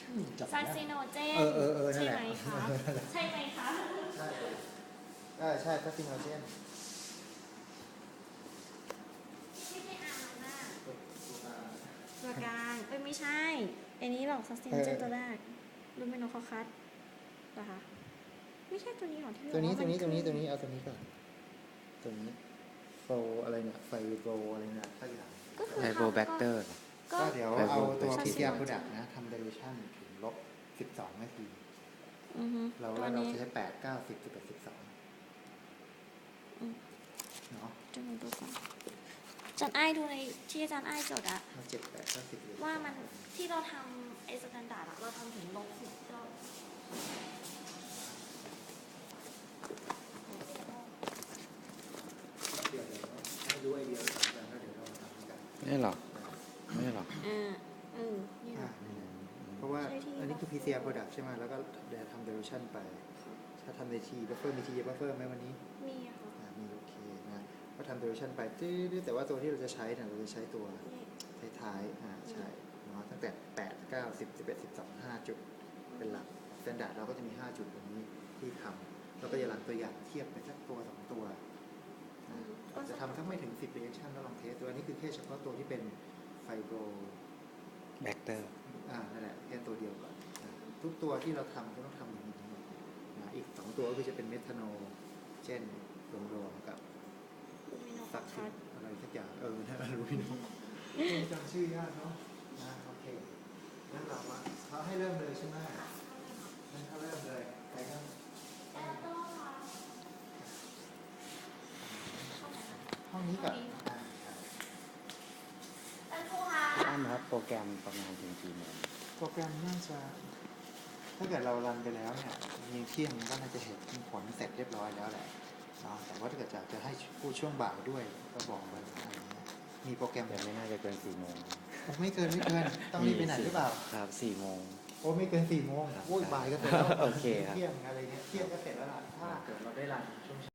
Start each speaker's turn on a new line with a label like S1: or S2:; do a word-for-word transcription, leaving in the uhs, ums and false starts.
S1: จับ
S2: ซัน
S1: นะ
S2: ซิโนเจน
S1: เออเออเออนั่
S2: ใช่
S1: นแหละ
S2: ไหมคะใช่ไหมคะ
S1: ใช่เออใช่ซัสซิโนเจน
S2: ไม่ใช่อาร์น่ะตัวกลางเอ้ยไม่ใช่ไอ้นี้หรอกซัสซิโนเจนตัวแรกลูเมโนคอคัสเหรอคะไม่ใช่ตัวนี้หรอที่
S1: ตัวนี้
S2: บ
S1: ตั
S2: อ
S1: ว
S2: กา
S1: นี้
S2: มั
S1: ตัวนี้
S2: ขึ้
S1: ตัวนี้เอาตัวนี้ก่อนตัวนี้โฟอะไรเนี่ยไฟโฟอะไรเนี่ยสักอย่าง
S2: ก็คือ
S3: ไฮโบแบคเตอร์
S2: ก็
S1: ก็เดี๋ยว
S3: ไฟโฟ
S1: เอาตัว
S2: ซัส
S1: พี
S2: ซิ
S1: ซี
S2: โน
S1: อาร์
S2: เจน
S1: product นะทำ dilution ถึงลบสิบสองนาที
S2: อือฮึ
S1: เรา
S2: ตัว
S1: แล้วเรา
S2: นี้
S1: จะใช้แปดเก้าสิบสิบเอ็ดสิบสอง
S2: อืม
S1: เนาะ
S2: จะมาดูก่อนอาจารย์ไอ้ายดูในที่อาจารย์ไอ้ายจดอะ
S1: มาเจ็ดแปดเก้าสิบ
S2: ว่ามันที่เราทำไอ้สแตนดาร์ดอะเราทำถึงลบสิบเรา
S1: เดี๋ยวเดี๋ยวให้รู้ไอเดียก่อนแล้วเดี๋ยวเรามาทำกัน
S3: ไม่หรอกไม่หรอก
S2: อ่าเออนี่แห
S1: อ่า
S2: ละ
S1: นี่แหละเพราะว่า
S2: ใช่ที่
S1: อันนี้คือ พี ซี อาร์ product ใช่ไหมแล้วก็เดี๋ยวทำ dilution ไป ถ้าทำในทีบัฟเฟอร์มีทีบัฟเฟอร์ไหมวันนี้
S2: มีอะค่ะ
S1: อ่ามีโอเคนะก็ทำ dilution ไปตื้อๆแต่ว่าตัวที่เราจะใช้เนี่ยเราจะใช้ตัว
S2: นี่
S1: ท้ายๆอ่าใช่เนาะตั้งแต่แปด เก้า สิบ สิบเอ็ด สิบสอง ห้าจุดเป็นหลักสแตนดาร์ดเราก็จะมีห้าจุดตรงนี้ที่ทำเราก็จะรันตัวอย่างเทียบไปสักตัวสองตัวนะอาจจะทำทั้งไม่ถึงสิบ reaction แล้วลองเทสตัวนี้คือแค่เฉพาะตัวที่เป็นไฟโบร
S3: แบคเตอร์
S1: อ่านั่นแหละแค่ตัวเดียวก่อนนะทุกตัวที่เราทำก็ต้องทำอย่างนี้ทั้งหมดนะอีกสองตัวก็คือจะเป็นเมทานอลเช่นรวมๆกับ
S2: ลูเมโนค
S1: สั
S2: อก
S1: สิ
S2: คัส
S1: อะไรสักอย่างเออน่ารู้พี่น้องจำชื่อยากเนาะนะโอเคงั้นเรามาเขาให้เริ่มเลยใช่ไหมงั้นเขาเริ่มเลยใครครับห้องนี้ก่อนอ่าครับ
S2: ท่านครูคะ
S3: พี่อ้ำครับโปรแกรมประมาณถึงกี่โมง
S1: โปรแกรมน่าจะ ถ้าเกิดเรารันไปแล้วเนี่ยมีเที่ยงก็น่าจะเห็นผลเสร็จเรียบร้อยแล้วแหละเนาะแต่ว่าถ้าเกิดจะจะให้พูดช่วงบ่ายด้วยก็บอกไปอะไรเงี้ยมีโปรแกรม
S3: แต่ไม่น่าจะเกินสี่โมง
S1: โอ้ไม่เกินไม่เกินต้องรีบไปไหนหรือเปล่า
S3: ครับสี่โมง
S1: โอ้ไม่เกินสี่โมง
S3: ครับ
S1: โอ้ยบ่ายก็เสร็จแล้ว
S3: โอเคครับ
S1: เที่ยงอะไรเงี้ยเที่ยงก็เสร็จแล้วล่ะถ้าเกิดเราได้รันช่วง